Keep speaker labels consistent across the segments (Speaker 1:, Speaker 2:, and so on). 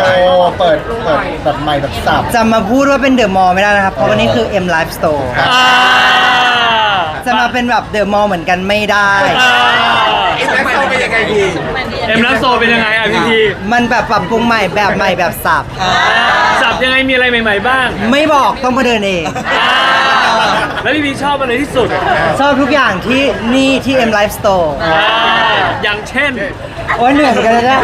Speaker 1: เปิดแบบใหม่แบบสับ
Speaker 2: จะมาพูดว่าเป็นเดอะมอลล์ไม่ได้นะครับเพราะวันนี้คือ M Live Store จะมาเป็นแบบเดอะมอลล์เหมือนกันไม่ได้
Speaker 3: เอ็มแล้วโซเป็นยังไงดีเอ็มแล้วโซเป็นยังไงอ่ะพี่พี
Speaker 2: มันแบบปรับปรุงใหม่แบบสับ
Speaker 3: ยังไงมีอะไรใหม่ๆบ้าง
Speaker 2: ไม่บอกต้องมาเดินเอง
Speaker 3: แล้วพี่พีชอบอะไรที่สุด
Speaker 2: ชอบทุกอย่างที่นี่ที่ M Live Store
Speaker 3: อย่างเช่น
Speaker 2: โอ้ยเหนื่อยกันเลยนะ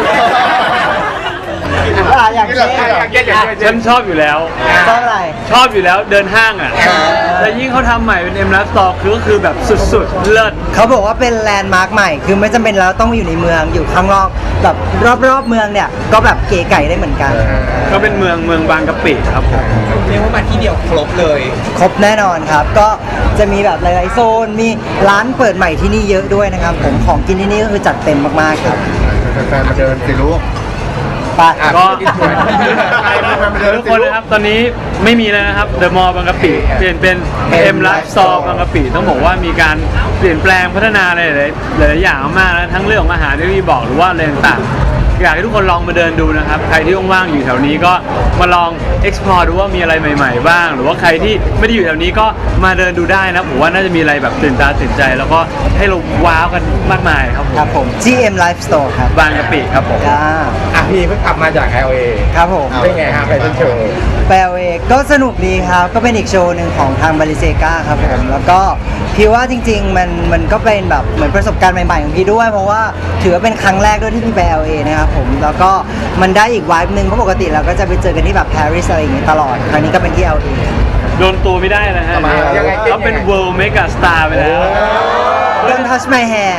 Speaker 2: อย่างเช่น
Speaker 3: ฉันชอบอยู่แล้ว
Speaker 2: ชอบอะไร
Speaker 3: ชอบอยู่แล้วเดินห้างอ่ะแล้วยิ่งเขาทำใหม่เป็น M Live Store ก็คือแบบสุดๆเลิศ
Speaker 2: เขาบอกว่าเป็นแลนด์มาร์คใหม่คือไม่จำเป็นแล้วต้องอยู่ในเมืองอยู่ข้างนอกแบบรอบๆเมืองเนี่ยก็แบบเก๋ไก่ได้เหมือนกัน
Speaker 3: ก็เป็นเมืองบางกะปิครับผม
Speaker 4: เรียกว่ามาที่เดียวครบเลย
Speaker 2: ครบแน่นอนครับก็จะมีแบบหลายๆโซนมีร้านเปิดใหม่ที่นี่เยอะด้วยนะครับผมของกินที่นี่ก็คือจัดเต็มมากๆครับ
Speaker 1: แฟนมาเดินสิลูก
Speaker 3: ก็ทุกคนนะครับตอนนี้ไม่มีแล้วนะครับเดอะมอลล์บางกะปิเปลี่ยนเป็น M Live Store บางกะปิต้องบอกว่ามีการเปลี่ยนแปลงพัฒนาอะไรหลายอย่างมากแล้วทั้งเรื่องของอาหารที่พี่บอกหรือว่าอะไรต่างอยากให้ทุกคนลองมาเดินดูนะครับใครที่ว่างๆอยู่แถวนี้ก็มาลอง explore ดูว่ามีอะไรใหม่ๆบ้างหรือว่าใครที่ไม่ได้อยู่แถวนี้ก็มาเดินดูได้นะผมว่าน่าจะมีอะไรแบบตื่นตาตื่นใจแล้วก็ให้เราว้าวกันมากมายครับ
Speaker 2: ผม GM Live Store ครับ
Speaker 3: บางกะปิครับผม
Speaker 4: พี่เพิ่งกลับมาจาก LA
Speaker 2: ครับผม
Speaker 4: เป็นไงครับแฟชั่นโชว์
Speaker 2: LA ก็สนุกดีครับก็เป็นอีกโชว์หนึ่งของทางบาริเซกาครับผมแล้วก็พี่ว่าจริงๆมันก็เป็นแบบเหมือนประสบการณ์ใหม่ๆของพี่ด้วยเพราะว่าถือว่าเป็นครั้งแรกด้วยที่พี่ไป LA นะครับผมแล้วก็มันได้อีกวายนึงเพราะปกติเราก็จะไปเจอกันที่แบบปารีสอะไรอย่างเงี้ยตลอดครั้งนี้ก็เป็นที่ LA
Speaker 3: โดนตัวไม่ได้นะฮะเขาเป็น World Mega Star ไปแล้ว
Speaker 2: Don't touch my hair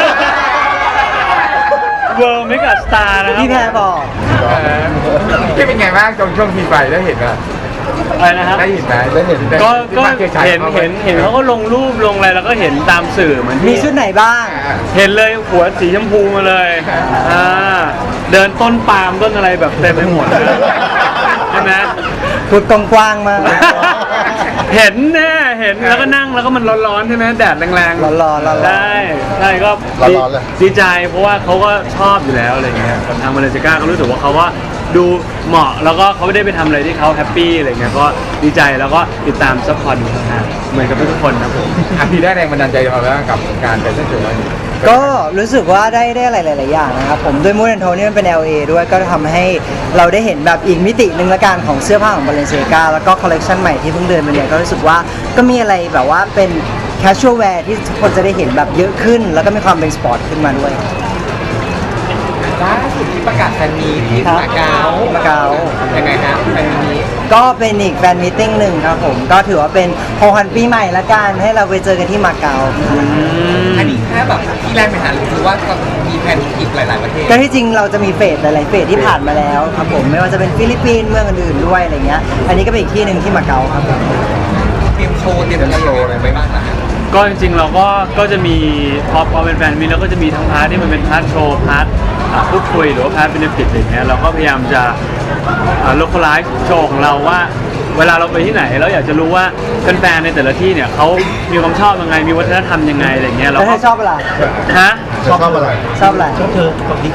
Speaker 3: World Mega Star นะครับ
Speaker 2: พี่แพรบอก
Speaker 4: พี่เป็นไงบ้างช่วงทีไปได้เห็นไหม
Speaker 3: อะไรนะครับ
Speaker 4: ได้เห็นไหมได้เห็น
Speaker 3: ก็เห็นเขาก็ลงรูปลงอะไรแล้วก็เห็นตามสื่อเหมือน
Speaker 2: มีชุดไหนบ้าง
Speaker 3: เห็นเลยหัวสีชมพูมาเลยเดินต้นปาล์มต้นอะไรแบบเต็มไปหมดใช่ไหม
Speaker 2: พูดกว้างๆมา
Speaker 3: เห็นแน่เห็นแล้วก็นั่งแล้วก็มันร้อนๆใช่ไหมแดดแรง
Speaker 2: ๆร้อนๆ
Speaker 3: ได้ก็ดีใจเพราะว่าเขาก็ชอบอยู่แล้วอะไรเงี้ยกับทางมาเลเซียเขารู้สึกว่าเขาว่าดูเหมาะแล้วก็เขาไม่ได้ไปทำอะไรที่เขาแฮปปี้อะไรเงี้ยก็ดีใจแล้วก็ติดตามซัพพอร์ตเหมือนกับทุกคนนะผม
Speaker 4: พี่ได้แรงบันดาลใจมาแล้วกับการแฟชั่นโชว์
Speaker 2: ก็รู้สึกว่าได้อะไรหลายๆอย่างนะครับผมด้วยมูดแอนโทนี่มันเป็น LA ด้วยก็ทำให้เราได้เห็นแบบอีกมิติหนึ่งละกันของเสื้อผ้าของ Balenciaga แล้วก็คอลเลคชันใหม่ที่เพิ่งเดินมาเนี่ยก็รู้สึกว่าก็มีอะไรแบบว่าเป็น casual wear ที่ทุกคนจะได้เห็นแบบเยอะขึ้นแล้วก็มีความเป็นสปอร์ตขึ้นมาด้วย
Speaker 4: ล่าสุดที่ประกาศแฟนมีที่มาเก๊ายังไงฮะแฟนมี
Speaker 2: ก็เป็นอีกแฟนมีตติ้งหนึ่งครับผมก็ถือว่าเป็นของขวัญปีใหม่ละกันให้เราไปเจอกันที่มาเก๊า
Speaker 4: อันนี้แค่แบบที่แรกไปหาหรือว่าก็มีแผนอีกหลายๆประเทศ
Speaker 2: ก็ที่จริงเราจะมีเฟสหลายๆเฟสที่ผ่านมาแล้วครับผมไม่ว่าจะเป็นฟิลิปปินส์เมืองอื่นๆด้วยอะไรเงี้ยอันนี้ก็เป็นอีกที่หนึ่งที่มาเก๊าครับ
Speaker 4: เตรียมโชว์อะไรไปบ้างนะ
Speaker 3: ก็จริงๆเราก็จะมีพอเป็นแฟนมีแล้วก็จะมีทั้งพาร์ทที่มันเป็นพาร์ทโชว์พาร์ทพูดคุยหรือว่าพาร์ทเบเนฟิตอะไรเงี้ยเราก็พยายามจะlocalize โชว์ของเราว่าเวลาเราไปที่ไหนเราอยากจะรู้ว่าแฟนๆในแต่ละที่เนี่ยเขามีความชอบยังไงมีวัฒนธรรมยังไงอะไรเงี้ยเราก็
Speaker 2: ชอบอะไร
Speaker 3: ฮะ
Speaker 1: ชอบอะไร
Speaker 2: ชอบอะไร
Speaker 1: ชอบเธอกับดิ๊ก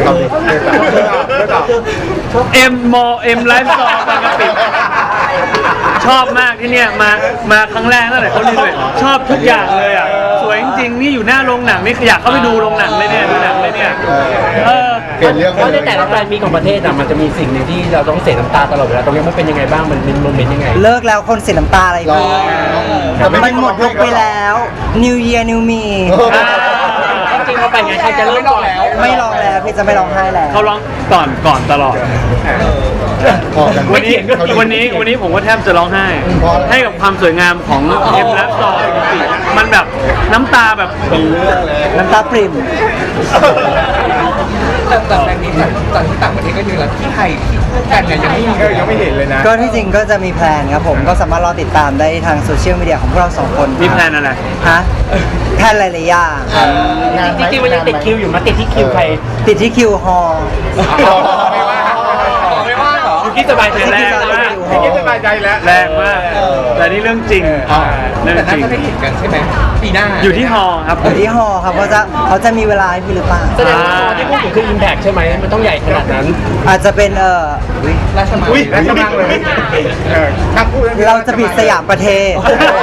Speaker 3: M Live Store บางกะปิชอบมากที่เนี่ยมาครั้งแรกตั้งแต่เขารีเลยชอบทุกอย่างเลยอ่ะสวยจริงๆนี่อยู่หน้าโรงหนังนี่อยากเข้าไปดูโรงหนังเลยเนี่ยดูหนังเลยเนี่ย
Speaker 1: เปลี่ยนเรื่อง
Speaker 5: เพราะในแต่ละแบรนด์มีของประเทศอ่ะมันจะมีสิ่งหนึ่งที่เราต้องเสียน้ำตาตลอดเวลาตรงนี้มันเป็นยังไงบ้างมันเป็นโมเมนต์ยังไง
Speaker 2: เลิกแล้วคนเสียน้ำตาอะไรบ้างมันหมดยุคไปแล้ว New Year New Me
Speaker 5: จริงๆเขาไปไงใครจะเริ่มก่อนแล้ว
Speaker 2: ไม่ร้องแล้วพี่จะไม่ร้องไห้แล้ว
Speaker 3: เขาร้องก่อนตลอดวันนี้ผมก็แทบจะร้องไห้ให้กับความสวยงามของเอ็มและซอมันแบบน้ำตาแบบ
Speaker 2: น้ำตาปริ่ม
Speaker 4: แต่แบรนด์นี้ตอนที่ต่างประเทศก็มีแล้วที่ไทยที่กันเนี่ยยังไม่เห็นเลยนะ
Speaker 2: ก็ที่จริงก็จะมีแพลนครับผมก็สามารถรอติดตามได้ทางโซเชียลมีเดียของพวกเราสองคน
Speaker 3: มีแพลนอะไร
Speaker 2: ฮะแพลนหลายๆอย่าง
Speaker 5: จริงๆมันยังติดคิวอยู่มาติดที่คิวใคร
Speaker 2: ติดที่คิวฮอ
Speaker 4: ไม่ว่าเหรอ
Speaker 5: อยู่ที่สบายใจแล้ว
Speaker 4: นี้สบายใจแล้ว
Speaker 3: แรงมากแต่นี่เรื่องจริงเรื่อง
Speaker 4: แต่
Speaker 3: จ
Speaker 4: น่า
Speaker 3: ริง
Speaker 4: จะได้เห็นกันใช่ไหมปีหน้า
Speaker 3: อยู่ที่ฮอครับ
Speaker 2: อยู่ที่ฮอครับเขาจะมีเวลาให้พี่หรือเปล่า
Speaker 5: แสดงว่าที่พูดถึงคือ Impact ใช่ไหมมันต้องใหญ่ขนาดนั้น
Speaker 2: อาจจะเป็น
Speaker 4: ราชมัง
Speaker 1: อุ้ย
Speaker 4: ราชมังเลยถ้าพูด
Speaker 2: เราจะปิดสยามประเทศ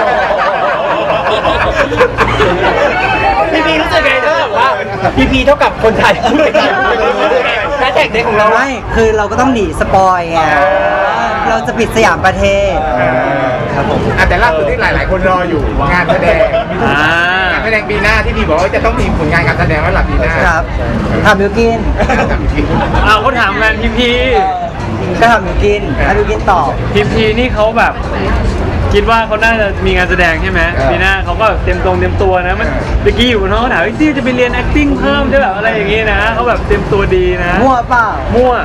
Speaker 5: พี่พีรู้สึกไงถ้าแบบว่าพี่พีเท่ากับคนไทยพูดไปแฮชแท็กเด็กของเรา
Speaker 2: ไม่คือเราก็ต้องหนีสปอยไงเราจะปิดสยามประเทศครับผม
Speaker 4: แต่ล่าสุดที่หลาย ๆ คนรออยู่งานแสดง
Speaker 3: อ่า
Speaker 4: งานแสดงปีหน้าที่พี่บอกว่าจะต้องมีผลงานการแสดงแล้วหลับปีหน้า
Speaker 2: ครับทำมิวกิน
Speaker 3: เอาเขาถามงานพี
Speaker 2: ก็ทำมิวกินให้มิวกินตอบ
Speaker 3: พีนี่เขาแบบคิดว่าเขาน่าจะมีงานแสดงใช่ไหมปีหน้าเขาก็เตรียมตัวนะมันเมื่อกี้อยู่บนห้องเขาถามว่าที่จะไปเรียน acting เพิ่มได้แบบอะไรอย่างงี้นะเขาแบบเตรียมตัวดีนะ
Speaker 2: มั่วเปล่า
Speaker 3: มั่ว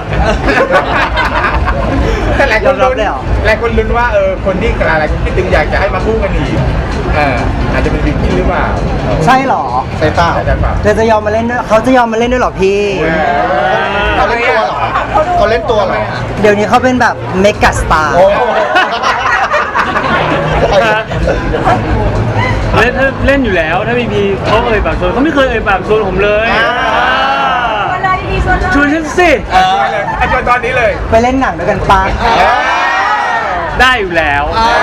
Speaker 4: แต่หลายคน
Speaker 2: ยอมรับ
Speaker 4: ลุ้น
Speaker 2: เลยเหรอ
Speaker 4: หลายคนลุ้นว่าคนที่หลายคนคิดถึงอยากจะให้มาคู่กันอีกอาจจะเป็นวิกกี้หรือเปล่า
Speaker 2: ใช่เหรอ
Speaker 1: ใช่เปล่า
Speaker 4: อาจจะเปล่า
Speaker 2: เธอจะยอมมาเล่นด้วยเขาจะยอมมาเล่นด้วยเหรอพี่
Speaker 1: เขาเล่นตัวเหรอเขาเล่นตัวเหรอ
Speaker 2: เดี๋ยวนี้เขาเป็นแบบเมกะสตาร์
Speaker 1: โอ้
Speaker 3: เล่นอยู่แล้วถ้าพีเขาเอ่ยปากชวนเขาไม่เคยเอ่ยปากชวนผมเลยชวนฉันสิ
Speaker 4: อาจารย์ตอนนี้เลย
Speaker 2: ไปเล่นหนังด้วยกันปะ
Speaker 3: ได้อยู่แล้ว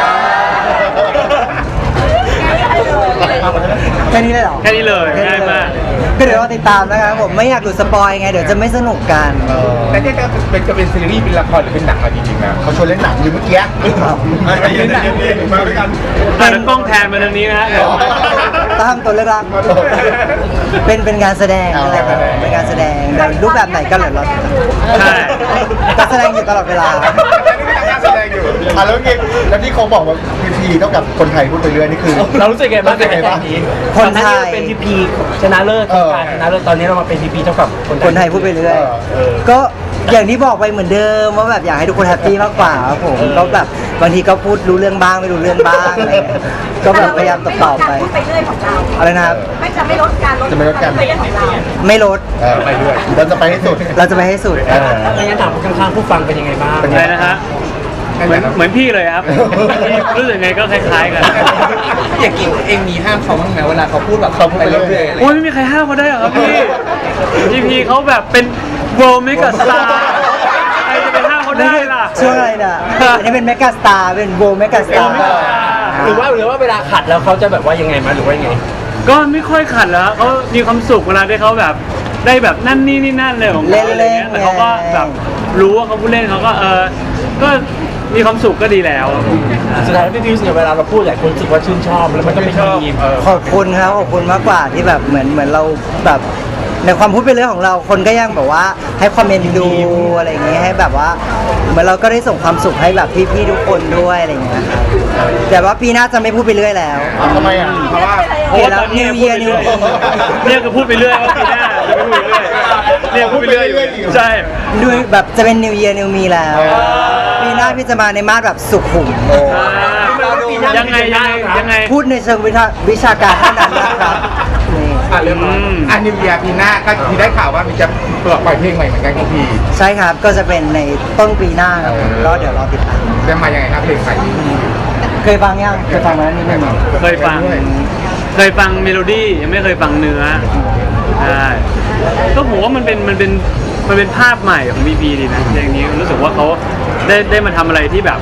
Speaker 2: แค่นี้เลยเหรอ
Speaker 3: แค่นี้เลยง่ายมาก
Speaker 2: ก็เดี๋ยวเราติดตามนะครับผมไม่อยากหลุดสปอยไงเดี๋ยวจะไม่สนุกกัน
Speaker 4: แต่เนี่ยจะเป็นซีรีส์เป็นละครหรือเป็นหนังมาจริงๆนะ
Speaker 1: เขาชวนเล่นหนังอยู่เมื่อกี้เล่นหนังมาด้วยกัน
Speaker 3: อ่ะแล้วกล้องแทนมาทางนี้นะฮะเดี๋ยว
Speaker 2: ตามตัวเลือกรักเป็นงานแสดงอะไรครับเป็นการแสดงแต่รูปแบบไหนก็เหลือเรา
Speaker 3: ใช่
Speaker 2: ก็แสดงอยู่ตลอดเวลา
Speaker 4: แต่นี่ก็ทำงานแสดงอยู่
Speaker 1: แล้วไงแล้วที่เขาบอกว่าพีเท่ากับคนไทยพูดไปเรื่อยนี่คือ
Speaker 5: เรารู้สึกไงบ้างกับแฮชแท็กนี้
Speaker 2: คนไทย
Speaker 5: ก่อหาเราเป็นพีพีชนะเลิศการชนะเลิศตอนนี้เรามาเป็นพีพีเท่ากับ
Speaker 2: คนไทยพูดไปเรื่อยก็อย่างที่บอกไปเหมือนเดิมว่าแบบอยากให้ทุกคนแฮปปี้มากกว่าครับผมก็แบบบางทีก็พูดรู้เรื่องบ้างไม่รู้เรื่องบ้างอะไรเงี้ยก็แบบพยายามตอบไป
Speaker 6: ไปเรื่อยของเรา
Speaker 2: อะไรนะครับ
Speaker 6: ไม่จะไม่ลดการลด
Speaker 1: จะไม่ลดการ
Speaker 6: ไปเรื่อยของเรา
Speaker 2: ไม่ลด
Speaker 1: ไปด้วยเราจะไปให้สุด
Speaker 2: เราจะไปให้สุด
Speaker 5: ไม่งั้นถามข้างๆผู้ฟังเป็นยังไงบ้าง
Speaker 3: อะไรนะฮะเหมือนพี่เลยครับพี่รู้สึกไงก็คล้ายๆกัน
Speaker 4: อย่างกินเองมีห้ามเขาบ้างไหมเวลาเขาพูดแบบเขาไปเรื่อยๆ
Speaker 3: โอ้ยไม่มีใครห้ามเขาได้หรอครับพี่เขาแบบเป็น world mega star ใครจะไปห้ามเขาได้ล่ะ
Speaker 2: ช่วงอะไรน่ะอันนี้เป็นเมกาสตาร์เป็นโบเมกาสตาร์
Speaker 5: หรือว่าเวลาขัดแล้วเขาจะแบบว่ายังไงมาหรือว่ายังไง
Speaker 3: ก็ไม่ค่อยขัดแล้วเขามีความสุขเวลาที่เขาแบบได้แบบนั่นนี่นั่นเลยของเขาอะไรเงี้ยแต่เขาก็แบบรู้ว่าเขาพูดเล่นเขาก็ก็มีความสุขก็ดีแล้ว
Speaker 5: สุดท้ายพี่พิวเนี่ยเวลาเราพูดหลายคนรู้สึกว่าชื่นชอบแล้วมันก็เป็นทีม
Speaker 2: ขอบคุณครับขอบคุณมากกว่าที่แบบเหมือนเราแบบในความพูดเป็นเรื่องของเราคนก็ยังแบบว่าให้ความเอ็นดูอะไรอย่างเงี้ยให้แบบว่าเหมือนเราก็ได้ส่งความสุขให้แบบพี่ๆทุกคนด้วยอะไรอย่างเงี้ยครับแต่ว่าปีหน้าจะไม่พูดไปเรื่อยแล้ว
Speaker 1: ทำไมอ่ะ
Speaker 4: เพราะว่า
Speaker 2: เห็นแล้ว New Year New Me
Speaker 3: เนี่ยก็พูดไปเรื่อยว่าปีหน้าจะไม่พูดไปเรื่อยเนี่ยพูดไปเรื่อยใช่
Speaker 2: ด้วยแบบจะเป็น New Year New Me แล้วปีหน้าพี่จะมาในมาสแบบสุขุม
Speaker 3: ยังไง
Speaker 2: พูดในเชิงวิชาการเท่านั้นนะครับนี่
Speaker 4: เรื่องนิวเยียร์ปีหน้าก็ที่ได้ข่าวว่ามีจะปล่อยเพลงใหม่เหมือนกันของพี่
Speaker 2: ใช่ครับก็จะเป็นในต้นปีหน้าครับผมก็เดี๋ยวรอติดตาม
Speaker 4: จะมายังไงครับเพลงใหม่
Speaker 2: เคยฟังยังเคยฟังมาแล้วนิดนึง
Speaker 3: เคยฟังเมโลดี้ยังไม่เคยฟังเนื้อใช่ก็ผมว่ามันเป็นภาพใหม่ของบีบีดีนะอย่างนี้รู้สึกว่าเขาได้มาทำอะไรที่แบบ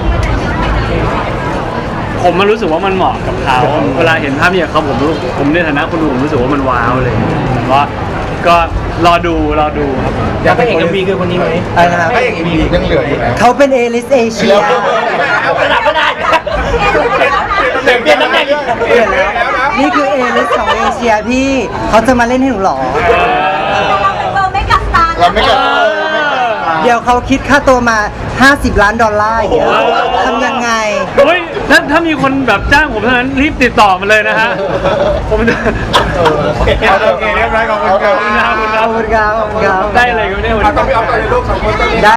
Speaker 3: ผมมันรู้สึกว่ามันเหมาะกับเขาเวลาเห็นภาพอย่างเขาผมในฐานะคนดูผมรู้สึกว่ามันว้าวเลยก็รอดูครับ
Speaker 5: อยากเป็นเอกมีคือคนนี้ไหม
Speaker 2: อะไรนะครับ
Speaker 4: ก็อย่างนี้
Speaker 1: ยังเหลืออยู่นะ
Speaker 2: เขาเป็นเอลิสเอเชีย
Speaker 5: เอากระดาษก็ได้เปลี่ยนตำแหน่ง
Speaker 2: เปลี่ยนแล้วนี่คือเอลิสของเอเชียพี่เขาจะมาเล่นให้หนูหรอ
Speaker 6: เราไม่กัดตา
Speaker 1: เราไม่กัด
Speaker 2: เดี๋ยวเขาคิดค่าตัวมา$50 ล้านอย่างเงี้ยทำยังไง
Speaker 3: เฮ้ยถ้ามีคนแบบจ้างผมเท่านั้นรีบติดต่อมาเลยนะฮะผมจะ
Speaker 4: โอเคเรียบร้อยขอบคุณครับ
Speaker 2: ขอบคุณครับขอบคุณครับ
Speaker 3: ได้อะไรกันเนี่ยวัน
Speaker 4: ต้อง
Speaker 3: นี้
Speaker 4: ไปเอาตัวในลูกสองคนต้อง